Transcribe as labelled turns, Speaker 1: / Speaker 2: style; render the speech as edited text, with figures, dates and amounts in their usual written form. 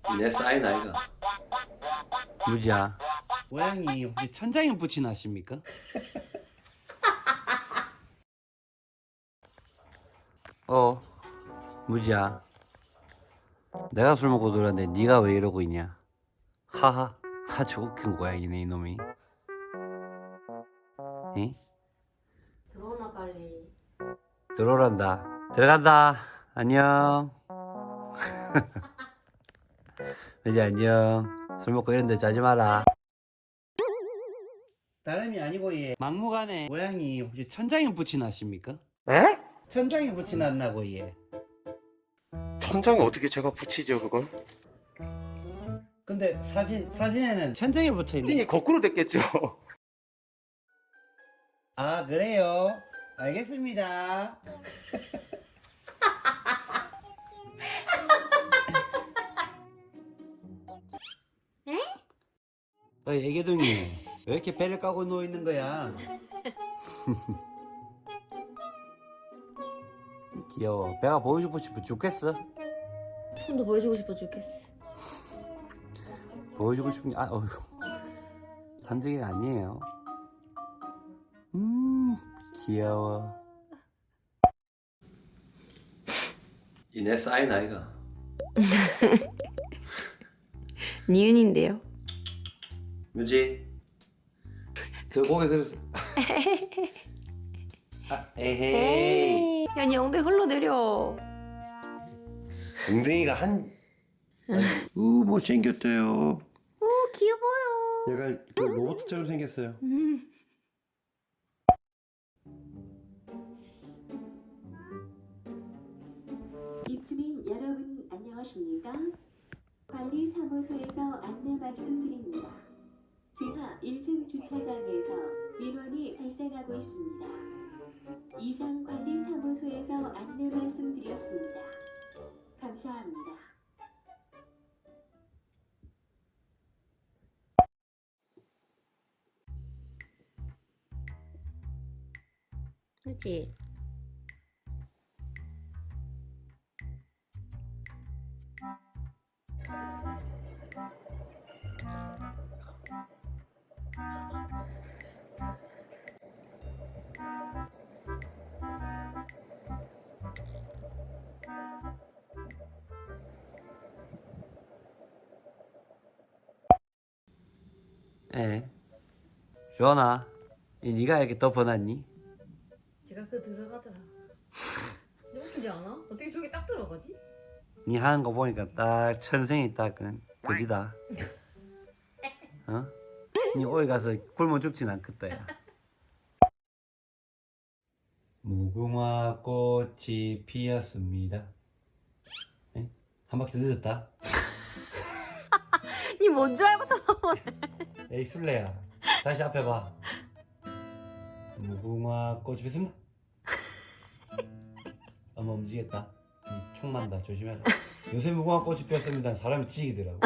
Speaker 1: 내 사인 아이가.
Speaker 2: 무지야. 고양이 혹시 천장에 붙이나십니까? 무지야. 내가 술 먹고 들었는데 네가 왜 이러고 있냐? 하하. 아주 웃긴 고양이네 이놈이. 응?
Speaker 3: 들어오나 빨리.
Speaker 2: 들어오란다. 들어간다. 안녕. 무지 안녕. 술 먹고 이런데 자지 마라. 다름이 아니고 얘 막무가내 고양이 혹시 천장에 붙이나십니까?
Speaker 4: 에?
Speaker 2: 천장에 붙이놨나고 얘.
Speaker 4: 천장에 어떻게 제가 붙이죠 그걸?
Speaker 2: 근데 사진에는 천장에 붙여있네.
Speaker 4: 사진이 거꾸로 됐겠죠.
Speaker 2: 아 그래요? 알겠습니다. 애기둥이 왜 이렇게 배를 까고 누워있는 거야? 귀여워. 배가 보여주고 싶어 죽겠어.
Speaker 3: 손도 보여주고 싶어 죽겠어.
Speaker 2: 보여주고 싶은 게 어휴. 한두 개가 아니에요. 귀여워.
Speaker 1: 이 내 사인 아이가.
Speaker 3: 니은인데요.
Speaker 1: 뮤지. 저 고개 들었어. 에헤이.
Speaker 3: 야, 니 엉덩이 흘러내려.
Speaker 1: 엉덩이가 한. 못생겼대요.
Speaker 3: 오, 귀여워요.
Speaker 1: 약간 그 로봇처럼 생겼어요.
Speaker 5: 입주민 여러분 안녕하십니까? 관리사무소에서 안내 말씀드립니다. 지하 1층 주차장에서 민원이 발생하고 있습니다. 이상 관리사무소에서 안내 말씀드렸습니다. 감사합니다.
Speaker 3: 그렇지.
Speaker 2: 주원아, 네가 이렇게 덮어놨니?
Speaker 3: 제가 그 들어가더라. 진짜 웃기지 않아? 어떻게 저기 딱 들어가지?
Speaker 2: 네 하는 거 보니까 딱 천생이 딱 그지다. 어? 네 어디 가서 굶어 죽진 않겠다 야. 무궁화 꽃이 피었습니다. 에? 한 바퀴 늦었다.
Speaker 3: 니 뭔 줄 알고 쳐다보네.
Speaker 2: 에이 술래야, 다시 앞에 봐. 무궁화 꽃이 피었습니다. 어머 움직였다. 총 난다. 조심해라. 요새 무궁화 꽃이 피었습니다. 사람이 지기더라고.